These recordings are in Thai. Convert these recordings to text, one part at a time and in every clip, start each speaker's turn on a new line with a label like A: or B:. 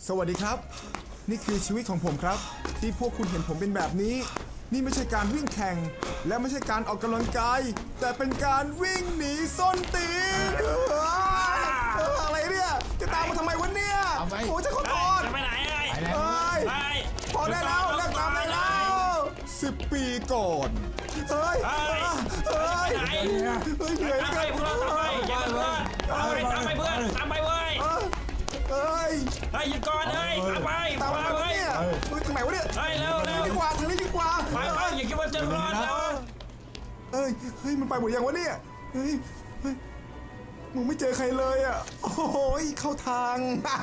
A: สวัสดีครับนี่คือชีวิตของผมครับที่พวกคุณเห็นผมเป็นแบบนี้นี่ไม่ใช่การวิ่งแข่งและไม่ใช่การออกกำลังกายแต่เป็นการวิ่งหนีส้นตีนอะไรเนี่ยจะตามมาทำไมวะเนี่ยโอ้จะขอโทษ
B: จะไปไหน
A: พอได้แล้วเลิกตามได้แล้ว10 ปีก่อนเฮ้ยเหนื่อย
B: ตามไปเพื่อนตามไปอย่าเพื่อนตามไปเพื่อนตามไปเว้ย
A: เฮ้ย
B: หยุดก่อนเฮ้ยตามไป
A: ตามไปเนี่ยทางไหนวะเนี่ย
B: เร็ว
A: ดีกว่าทางนี้ดีกว่า
B: ไปอย่าคิดว่าจะรอดแล้ว
A: เฮ้ยมันไปหมดยังวะเนี่ยเฮ้ยมึงไม่เจอใครเลยอ่ะโอ้ยเข้าทาง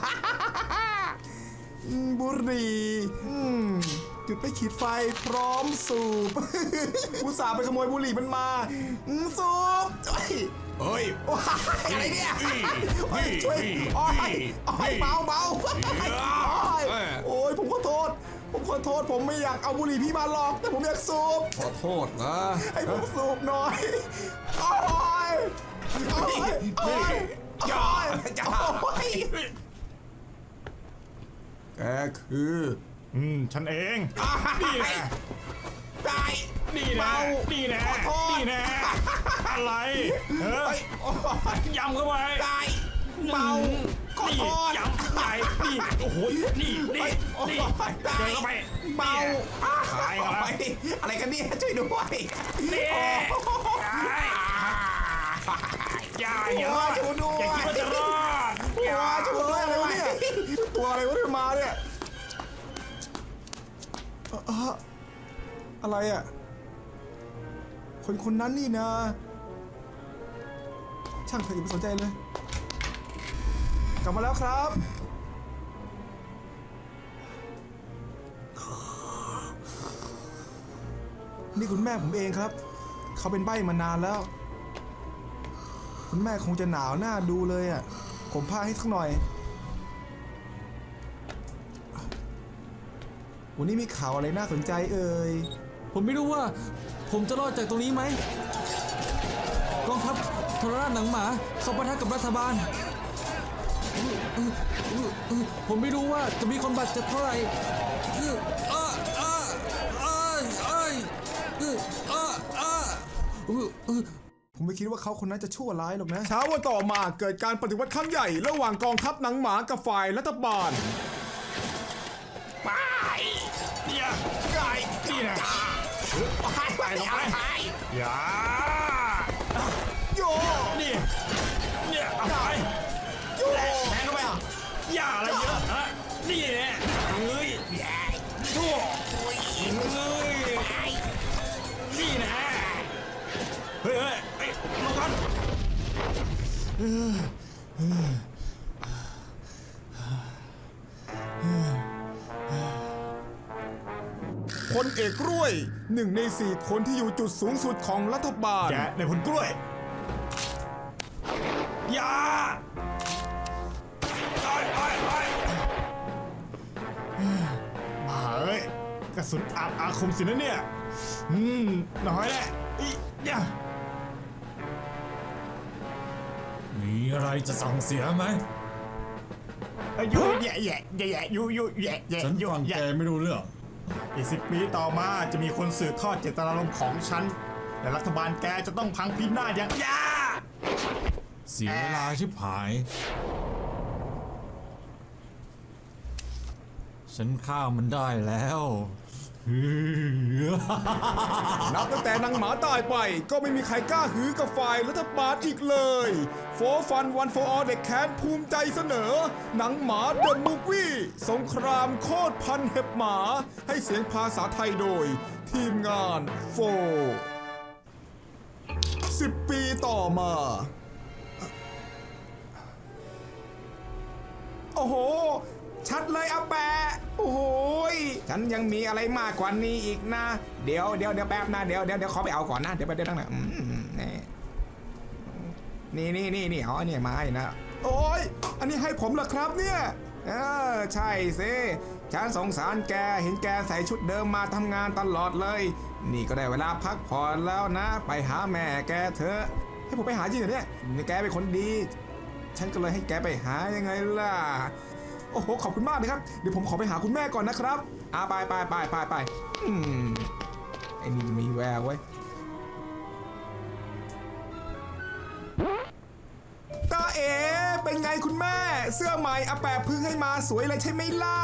A: บุหรี่จุดไปขีดไฟพร้อมสูบอุตส่าห์ไปขโมยบุหรี่มันมาสูบเฮ้ยอะไรเนี่ยช่วยเบาโอ้ยผมขอโทษผมไม่อยากเอาบุหรี่พี่มาหรอกแต่ผมอยากสูบ
C: ขอโทษนะ
A: ให้ผมสูบหน่อยอย่าแกคือ
B: ฉันเองนี่แน่อะไรยำเข้าไป
A: เมาขอโทษ
B: ยำใหญ่นี่โอ้โหนี่เดินเข้าไป
A: เมา
B: ตายกันแล้ว
A: อะไรกันเนี่ยช่วยด้วย
B: นี่อย่าคิดว่าจะรอด
A: ช่วยด้วยอะไรวะเนี่ยตัวอะไรวะมาเนี่ยอะไรอ่ะคนนั้นนี่นะช่างเถอะอย่าไปสนใจเลยกลับมาแล้วครับนี่คุณแม่ผมเองครับเขาเป็นใบ้มานานแล้วคุณแม่คงจะหนาวหน้าดูเลยอ่ะผมพาให้สักหน่อยวันนี้มีข่าวอะไรน่าสนใจเอ่ย
D: ผมไม่รู้ว่าผมจะรอดจากตรงนี้ไหมกองทัพทรราชหนังหมาเข้าปะทะกับรัฐบาลผมไม่รู้ว่าจะมีคนบาดเจ็บเท่าไหร่
A: ผมไม่คิดว่าเขาคนนั้นจะชั่วร้ายหรอกนะเช้าวันต่อมาเกิดการปฏิวัติครั้งใหญ่ระหว่างกองทัพหนังหมากับฝ่ายรัฐบาล
B: ไปเนี่ยนี่นะไปลงไปอย่า
A: โย
B: เนี่ยเอาไป
A: โย
B: แทงเข้าไปอย่าอะไรเยอะฮะนี่แน่เฮ้ยชั่วนี่นะเฮ้ยลงกัน
A: พลเอกกล้วย1 ใน 4คนที่อยู่จุดสูงสุดของรัฐบาล
B: แกในผลกล้วยอย่าเฮ้ยกระสุนอาคมสินะเนี่ยน้อยแหละอย่ามีอะไรจะสั่งเสียไหมแย่
D: ฉันฟังแกไม่รู้เรื่อง
B: อีก10 ปีต่อมาจะมีคนสืบทอดเจตนารมณ์ของฉันและรัฐบาลแกจะต้องพังพินาศอย่าง
D: เสียเวลาชิบหายฉันฆ่ามันได้แล้ว
A: นับตั้งแต่นางหมาตายไปก็ไม่มีใครกล้าหือกับฝ่ายรัฐบาลอีกเลยโฟฟันวันโฟออเด็กแค้นภูมิใจเสนอหนังหมาเดอะมูฟวี่สงครามโคตรพันเห็บหมาให้เสียงภาษาไทยโดยทีมงานโฟ10 ปีต่อมาโอ้โหชัดเลยอาแปะโอ้โหฉันยังมีอะไรมากกว่านี้อีกนะเดี๋ยวแป๊บนะเดี๋ยวขอไปเอาก่อนนะเดี๋ยวไปเดี๋ยวตั้งนะนี่อ๋อเนี่ยไม้นะโอ้ยอันนี้ให้ผมเหรอครับเนี่ยใช่สิฉันสงสารแกเห็นแกใส่ชุดเดิมมาทำงานตลอดเลยนี่ก็ได้เวลาพักผ่อนแล้วนะไปหาแม่แกเถอะให้ผมไปหาจริงเหรอเนี่ยแกเป็นคนดีฉันก็เลยให้แกไปหายังไงล่ะโอ้โหขอบคุณมากนะครับเดี๋ยวผมขอไปหาคุณแม่ก่อนนะครับไปไอ้นี่มีแววไว้ยตาเอ๋เป็นไงคุณแม่เสื้อใหม่อาแปะพึ่งให้มาสวยเลยใช่ไหมล่ะ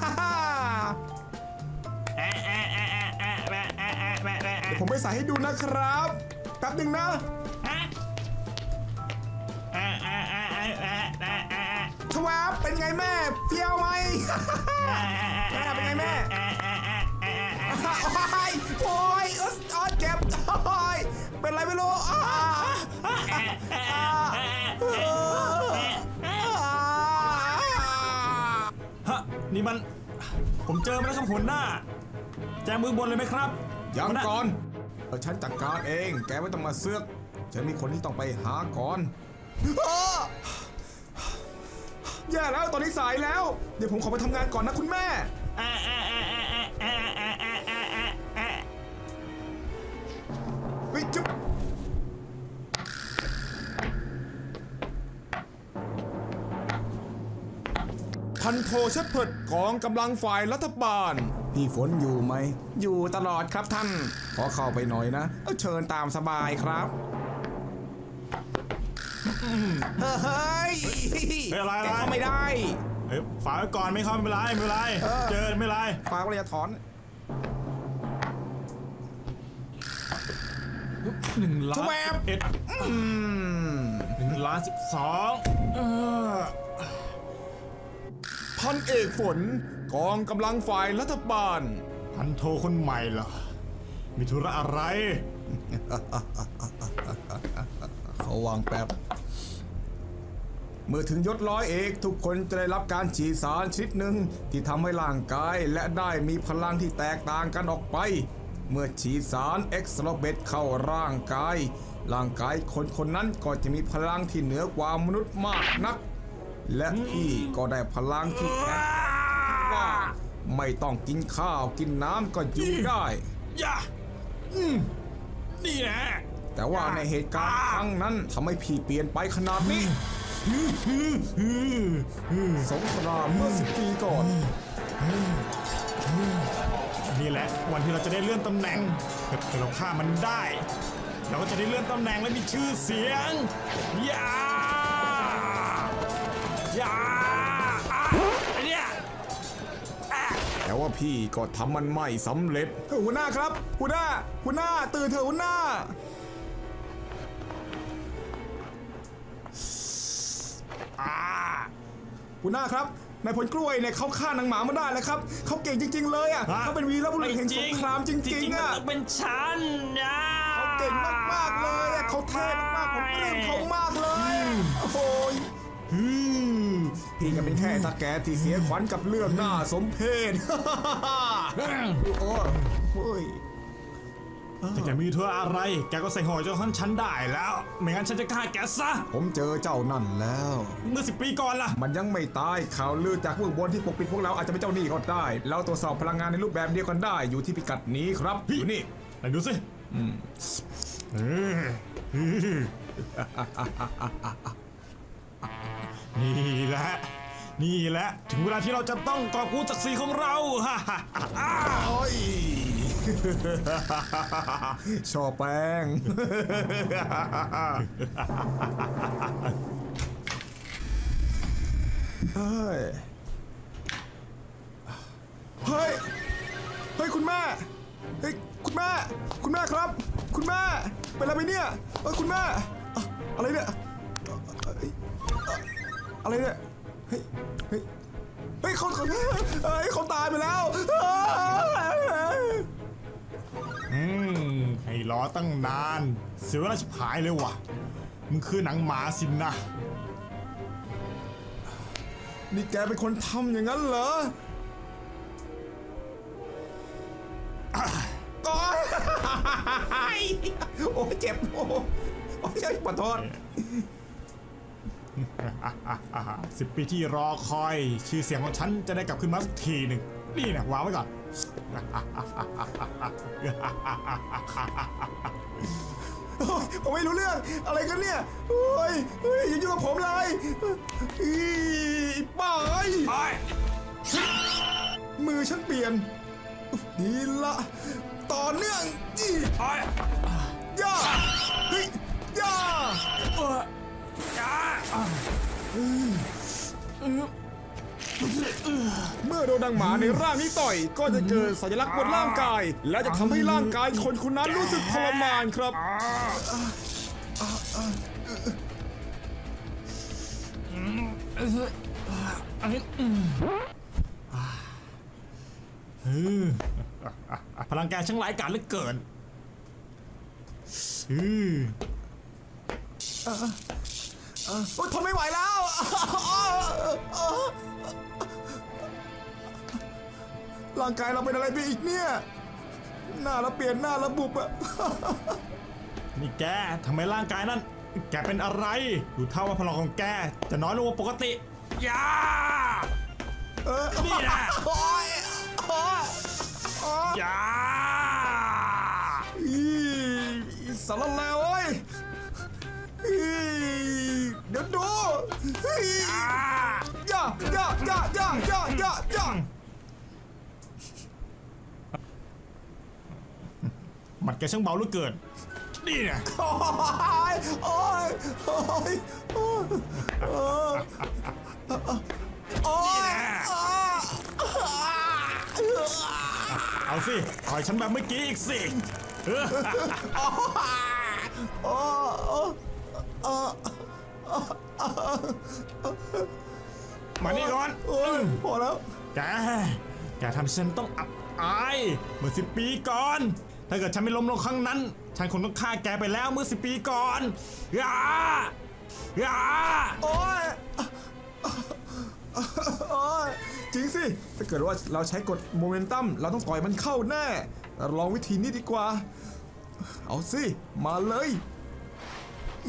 A: เดี๋ยวผมไปใส่ให้ดูนะครับแป๊บหนึ่งนะทวบเป็นไงแม่เฟี้ยวไหม แม่เป็นไงแม่โอ้ยเจ็บโอ้ยเป็นไรไม่รู้
B: ฮะนี่มันผมเจอมาแล้วครับหัวหน้าแจมือบนเลยไหมครับ
A: ยัง
B: หัวหา
A: ก่อนฉันจัดการเองแกไม่ต้องมาเสือกฉันมีคนที่ต้องไปหาก่อนแย่แล้วตอนนี้สายแล้วเดี๋ยวผมขอไปทำงานก่อนนะคุณแม่เฮ้ยจุ๊บพันโทเชฟเพิร์ดกองกำลังฝ่ายรัฐบาลพี่ฝนอยู่ไหมอยู่ตลอดครับท่านขอเข้าไปหน่อยนะเชิญตามสบายครับเฮ้ยแกเข้าไม่ได้
B: ฝากไว้ก่อนไม่เข้าไม่เป็นไรไม่เป็นไรเจอไม่เป็นไร
A: ฝากไว้อย่าถอน
B: 1 ล้าน
A: แวบ
B: 1 ล้าน
A: พันเอกฝนกองกำลังฝ่ายรัฐบาล
B: 12พันโทคนใหม่เหรอมีธุระอะไร
A: เขาวางแป๊บเมื่อถึงยศร้อยเอกทุกคนจะได้รับการฉีดสารชนิดหนึ่งที่ทำให้ร่างกายและได้มีพลังที่แตกต่างกันออกไปเมื่อฉีดสารเอ็กซ์โลเบตเข้าร่างกายคนนั้นก็จะมีพลังที่เหนือกว่ามนุษย์มากนักและพี่ก็ได้พลังที่แข็งว่าไม่ต้องกินข้าวกินน้ำก็อยู่ได้
B: อย่านี่แหละ
A: แต่ว่าในเหตุการณ์ครั้งนั้นทำให้พี่เปลี่ยนไปขนาดนี้สงครามเมื่อ10 ปีก่อน
B: นี่แหละวันที่เราจะได้เลื่อนตำแหน่งถ้าเราฆ่ามันได้เราก็จะได้เลื่อนตำแหน่งและมีชื่อเสียงอย่าไอเนี่ย
A: แต่ว่าพี่ก็ทำมันไม่สำเร็จหัวหน้าครับหัวหน้าตื่นเถอะหัวหน้าหัวหน้าครับนายพลกล้วยเนี่ยเขาฆ่านางหมามาได้แล้วครับเขาเก่งจริงๆเลยอ่ะเขาเป็นวีรบุรุษแห่งสงครามจริงๆอ่ะ
B: เป็นฉันนะ
A: เขาเก่งมากๆเลยอ่ะเขาเท่มากๆผมปลื้มเขามากเลยโอ้โหพี่ก็เป็นแค่ตาแกที่เสียขวัญกับเรื่องหน้าสมเพชโอ้ย
B: แต่แกมีธุระอะไรแกก็ใส่ห่อเจ้าท่านฉันได้แล้วไม่งั้นฉันจะฆ่าแกซะ
A: ผมเจอเจ้านั่นแล้ว
B: เมื่อ10 ปีก่อนล่ะ
A: มันยังไม่ตายข่าวลือจากเบื้องบนที่ปกปิดพวกเราอาจจะเป็นเจ้าหนี้ก็ได้เราตรวจสอบพลังงานในรูปแบบเดียวกันได้อยู่ที่พิกัดนี้ครับอยู่นี่
B: ไหนดูสินี่แหละถึงเวลาที่เราจะต้องกอบกู้ศักดิ์ศรีของเราฮ่า
A: โอ้ยชอแป้งเฮ้ยคุณแม่เฮ้ยคุณแม่ครับคุณแม่เป็นอะไรไปเนี่ยคุณแม่อะไรเนี่ยอะไรเนี่ยเฮ้ยเขาตายไปแล้ว
B: ให้รอตั้งนานเสียเวลาชิบหายเลยว่ะมึงคือหนังหมาสินนะ
A: นี่แกเป็นคนทำอย่างนั้นเหรอโอ้ยเจ็บโอ้ยขอโทษ
B: 10 ปีที่รอคอยชื่อเสียงของฉันจะได้กลับขึ้นมาสักทีหนึ่งนี่นะวางไว้ก่อน
A: โอ้ยผมไม่รู้เรื่องอะไรกันเนี่ยโอ้ยเฮ้ยอย่ายุ่งกับผมเลยอีบ้าเอ้ย
B: โอ้ย
A: มือฉันเปลี่ยนนี่ละต่อเนื่องอี
B: โอ้ย
A: ย่าเฮ้ยย่า
B: จ้า
A: เมื่อโดนดังหมาในร่างนี้ต่อยก็จะเกิดสัญลักษณ์บนร่างกาย และจะทำให้ร่างกายคนคนนั้นรู้สึกทรมานครับ
B: พลังแกช่างร้ายกาจเหลือเกิน
A: โอ๊ยทนไม่ไหวแล้วร่างกายเราเป็นอะไรไปอีกเนี่ย หน้าเราเปลี่ยนหน้าเราบุบอะ
B: นี่แกทำไมร่างกายนั้น แกเป็นอะไร ดูเท่าว่าพลังของแกจะน้อยลงกว่าปกติอย่านี่นะ
A: โอ๊ยโอ๊ยโอ๊ย
B: อย่า
A: อีสารเลวเว้ยอีเดี๋ยวดูอีย่าย่าย่าย่าย่าย่าย่า
B: หมัดแกช่างเบาเหลือเกินนี่นะ
A: โอ๊ยโอ๊ยโอ๊ยโอ๊ยโอ๊ย
B: เอาสิต่อยฉันแบบเมื่อกี้อีกสิมานี่ก่อน
A: โอ๊ยพอแล้ว
B: แกทำให้ฉันต้องอับอายเมื่อ10 ปีก่อน ถ้าเกิดฉันไม่ล้มลงครั้งนั้น ฉันคงต้องฆ่าแกไปแล้วเมื่อ10 ปีก่อนอย่าอย่า
A: โอ๊ยโอ๊ยจริงสิ ถ้าเกิดว่าเราใช้กฎโมเมนตัมเราต้องต่อยมันเข้าแน่เราลองวิธีนี้ดีกว่า เอาสิ มาเลยอี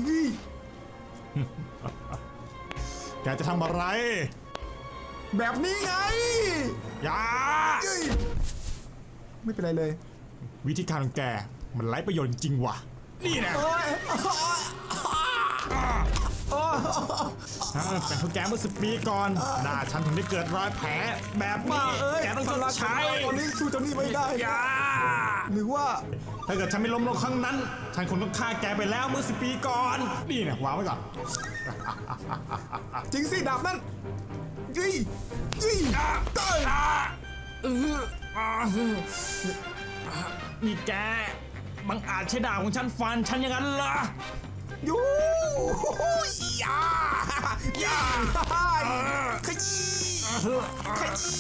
B: แกจะทำอะไร
A: แบบนี้ไง
B: อย่า
A: เอ้ยไม่เป็นไรเลย
B: วิธีการของแกมันไร้ประโยชน์จริงว่ะนี่นะ
A: โอ๊ยโอ๊ย
B: แต่พวกแกเมื่อ10 ปีก่อนหน้าฉันถึงได้เกิดรอยแผลแบบ
A: มา
B: นี้
A: เอ้ย
B: แกต้องชดใช้
A: ตอนนี้สู้เจ้านี่ไม่ได้
B: อย่า
A: หรือว่า
B: ถ้าเกิดฉันไม่ล้มลงครั้งนั้น ฉันคงต้องฆ่าแกไปแล้วเมื่อ10 ปีก่อนนี่นะวางไว้ก่อน
A: จริงสิดาบนั่นยี่ยี่เต้ย
B: นี่แกบังอาจใช้ดาบของฉันฟันฉันอย่างนั้นเหรอ
A: ยูยาย่าขยี้ขยี้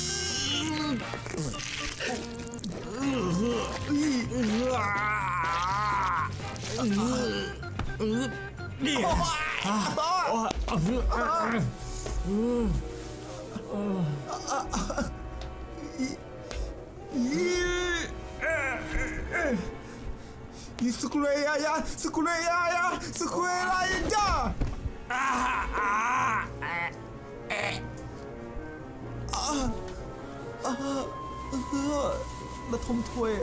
B: นี่
A: อีสกุเลยายาสกุเลยายาสกุเลยายาระทมถวย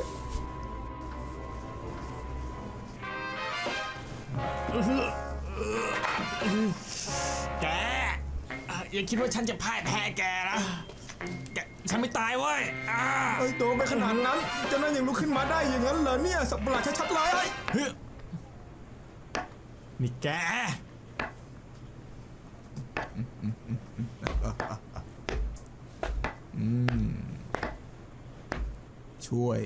B: แกอย่าคิดว่าฉันจะพ่ายแพ้แกนะแกฉันไม่ตายเว้ย
A: ไอ้โตไปขนาดนั้นเจ้านั้นยังลุกขึ้นมาได้อย่างนั้นเหรอเนี่ยสับประหลาดชัดๆเลย
B: เฮ้ยนี่แก
A: ช่วย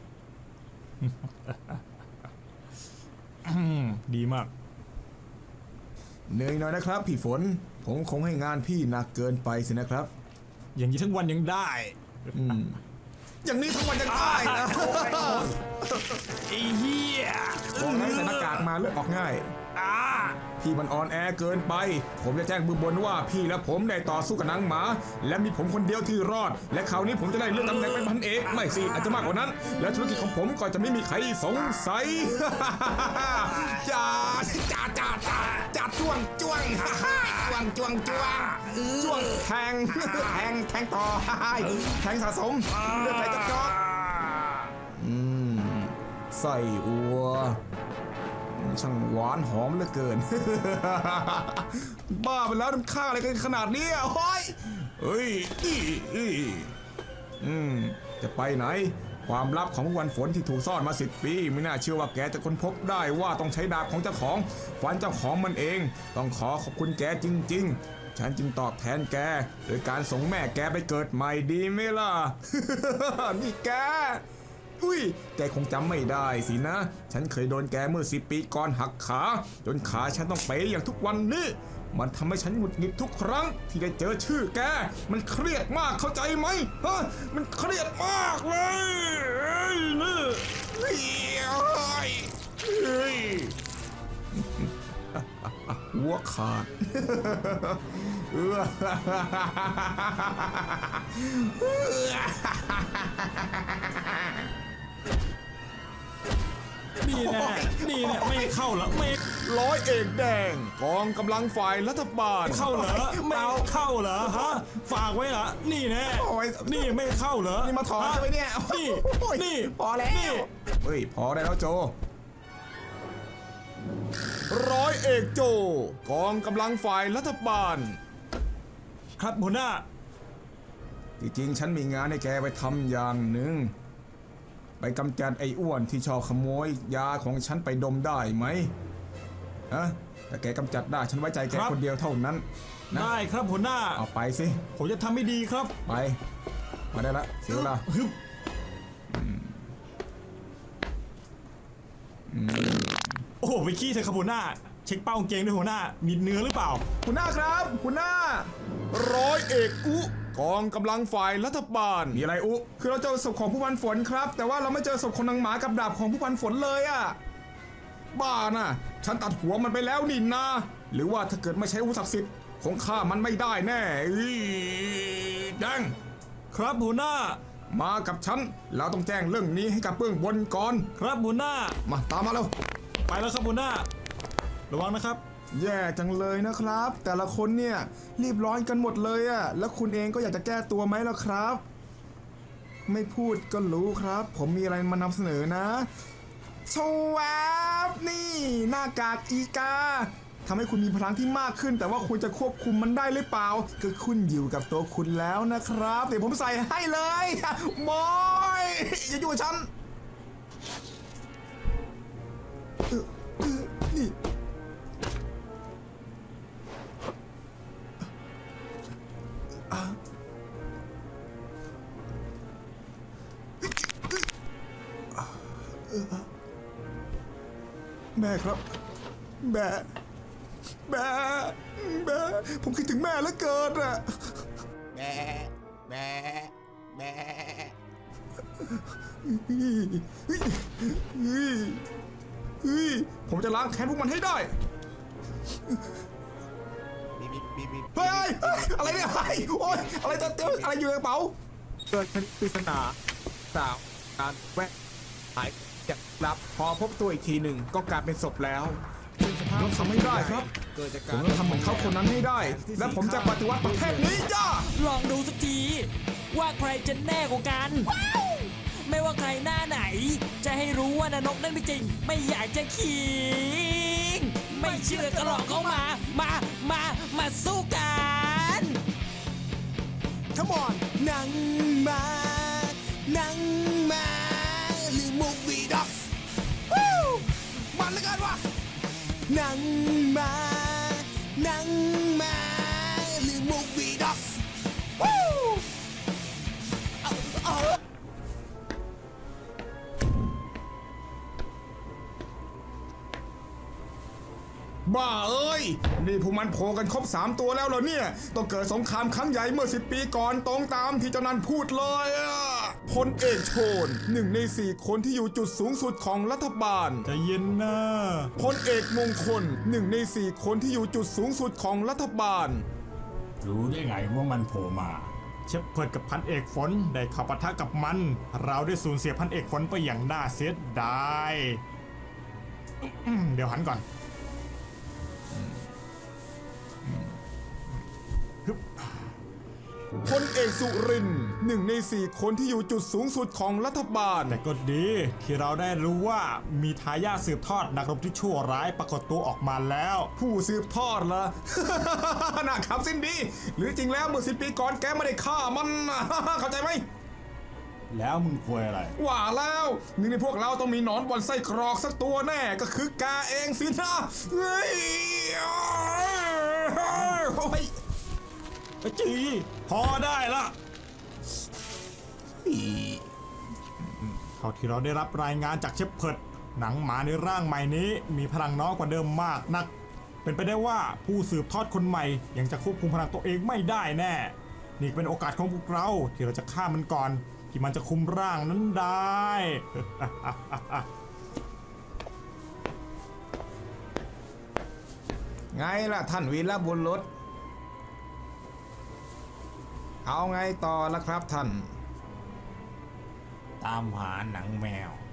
B: ดีมาก
A: เหนื่อยหน่อยนะครับพี่ฝนผมคงให้งานพี่หนักเกินไปสินะครับ
B: อย่างนี้ทั้งวันยังได้
A: อย่างนี้ทั้งวันยังได้นะ
B: ไอ้เหี้ย
A: บอกให้ใส่หน้ากากมาเลือดออกง่าย พี่มันอ่อนแอเกินไป ผมจะแจ้งมือบนว่าพี่และผมได้ต่อสู้กับนางหมา และมีผมคนเดียวที่รอด และคราวนี้ผมจะได้เลื่อนตำแหน่งเป็นพันเอกไม่สิอาจจะมากกว่านั้น และธุรกิจของผมก็จะไม่มีใครสงสัย จ้าจ้าจ้าจ้าจ้าจ้วงจ้วงจ้วงจ้วงจ้วงจ้วงแทงแทงต่อแทงสะสมเลือดไหลจอกใส่อัวช่างหวานหอมเหลือเกิน บ้าไปแล้วน้ำข้าอะไรกันขนาดนี้อ่ะเฮ้ยเฮ้ยจะไปไหนความลับของวันฝนที่ถูกซ่อนมา10 ปีไม่น่าเชื่อว่าแกจะค้นพบได้ว่าต้องใช้ดาบของเจ้าของฟันเจ้าของมันเองต้องขอขอบคุณแกจริงๆฉันจึงตอบแทนแกโดยการส่งแม่แกไปเกิดใหม่ดีไหมล่ะ นี่แกอุ้ยแกคงจำไม่ได้สินะฉันเคยโดนแกเมื่อ10 ปีก่อนหักขาจนขาฉันต้องเป๋อย่างทุกวันนี้มันทำให้ฉันหงุดหงิดทุกครั้งที่ได้เจอชื่อแกมันเครียดมากเข้าใจไหมฮะมันเครียดมากเลยนี่หัวขาด
B: นี่แน่นี่แน่ไม่เข้าเหรอไม่
A: ร้อยเอกแดงกองกำลังฝ่ายรัฐบาล
B: เข้าเหรอไม่เข้าเหรอฮะฝากไว้เหรอนี่แน่
A: โอ้ย
B: นี่ไม่เข้าเหรอ
A: นี่มาถอนใช่ไหมเนี่ย
B: นี่
A: โอ้ย
B: นี่
A: พอแล้วเฮ้ยพอได้แล้วโจร้อยเอกโจกองกำลังฝ่ายรัฐบาล
B: ครับหัวหน้า
A: จริงๆฉันมีงานให้แกไปทำอย่างหนึ่งไปกำจัดไอ้อ้วนที่ชอบขโมยยาของฉันไปดมได้ไหมฮะแต่แกกำจัดได้ฉันไว้ใจแก
B: ครับ
A: คนเดียวเท่านั้นนะ
B: ได้ครับหัวหน้า
A: เอาไปสิ
B: ผมจะทำให้ดีครับ
A: ไปมาได้ละเสียเวลา
B: ฮึบโอ้โหไปขี้เถอะครับหัวหน้า เช็คเป้ากางเกงด้วยหัวหน้า มีเนื้อหรือเปล่า
A: คุณหน้าครับคุณหน้าร้อยเอกอุกองกำลังฝ่ายรัฐบาลมีอะไรอุคือเราเจอศพของผู้พันฝนครับแต่ว่าเราไม่เจอศพของนางหมากับดาบของผู้พันฝนเลยอะบ้าน่ะฉันตัดหัวมันไปแล้วนี่นาหรือว่าถ้าเกิดไม่ใช้อาวุธศักดิ์สิทธิ์คงฆ่ามันไม่ได้แน่แดง
B: ครับหัวหน้า
A: มากับฉันเราต้องแจ้งเรื่องนี้ให้กับเบื้องบนก่อน
B: ครับหัวหน้า
A: มาตามมาเร็ว
B: ไปแล้วครับหัวหน้า ระวังนะครับ
A: แย่จังเลยนะครับ แต่ละคนเนี่ยรีบร้อนกันหมดเลยอะแล้วคุณเองก็อยากจะแก้ตัวไหมล่ะครับ ไม่พูดก็รู้ครับ ผมมีอะไรมานำเสนอนะชวบนี่หน้ากากอีกาทำให้คุณมีพลังที่มากขึ้น แต่ว่าคุณจะควบคุมมันได้หรือเปล่าก็ขึ้นอยู่กับตัวคุณแล้วนะครับเดี๋ยวผมใส่ให้เลยบอยอย่ายุ่งกับฉันนี่แม่ครับแม่ผมคิดถึงแม่เหลือเกินอะแม่ผมจะล้างแค้นพวกมันให้ได้เฮ้ยอะไรเนี่ยโอ๊ยอะไรจะอะไรอยู่ในกระเป๋า
C: เกิดคดีปริศนาสาวการแวะหายจากลับพอพบตัวอีกทีหนึ่งก็กลายเป็นศพแล้ว
A: ผมทำไม่ได้ครับ
C: เกิดจาก
A: ผ
C: การ
A: มจะทำเหมือนเขาคนนั้นให้ได้ และผมจะปฏิวัติประเทศนี้จ้า
E: ลองดูสักที ว่าใครจะแน่กว่ากัน ไม่ว่าใครหน้าไหน จะให้รู้ว่านนกนั่นไม่จริง ไม่อยากจะขิง ไม่เชื่อก็ลองเข้ามาสู้กัน
F: Come on หนังมาหรือ Movie Docs วู้มันเหลือเกินว่ะหนังมาหรือ Movie Docs วู้
A: บ้าเอ้ยนี่พวกมันโผล่กันครบ3 ตัวแล้วเหรอเนี่ยต้องเกิดสงครามครั้งใหญ่เมื่อ10 ปีก่อนตรงตามที่เจ้านันพูดเลยอะพลเอกโชน1 ใน 4 คนที่อยู่จุดสูงสุดของรัฐบาล
B: จะเย็นนะ
A: พลเอกมงคล1 ใน 4 คนที่อยู่จุดสูงสุดของรัฐบาล
B: รู้ได้ไงว่ามันโผล่มา เชฟเพิร์ดกับพันเอกฝนได้เข้าปะทะกับมัน เราได้สูญเสียพันเอกฝนไปอย่างน่าเสียดายเดี๋ยวหันก่อนฮึบ
A: พลเอกสุรินทร์1 ใน 4 คนที่อยู่จุดสูงสุดของรัฐบาล
B: แต่ก็ดีที่เราได้รู้ว่ามีทายาทสืบทอดนักรบที่ชั่วร้ายปรากฏตัวออกมาแล้ว
A: ผู้สืบทอดเหรอ น่าขำสิ้นดี หรือจริงแล้วเมื่อ10 ปีก่อนแกไม่ได้ฆ่ามัน เข้าใจไหม
B: แล้วมึงคุยอะไร
A: ว่าแล้วหนึ่งในพวกเราต้องมีหนอนบอนไส้กรอกสักตัวแน่ก็คือกาเองสินะเฮ้ยโอ้ย
B: จีพอได้ละเท่าที่เราได้รับรายงานจากเชฟเพิร์ดหนังหมาในร่างใหม่นี้มีพลังน้อยกว่าเดิมมากนัก เป็นไปได้ว่าผู้สืบทอดคนใหม่ยังจะควบคุมพลังตัวเองไม่ได้แน่ นี่เป็นโอกาสของพวกเราที่เราจะฆ่ามันก่อนที่มันจะคุมร่างนั้นได้
A: ไงล่ะท่านวีรบุรุษเอาไงต่อละครับท่าน
B: ตามหาหนังแมว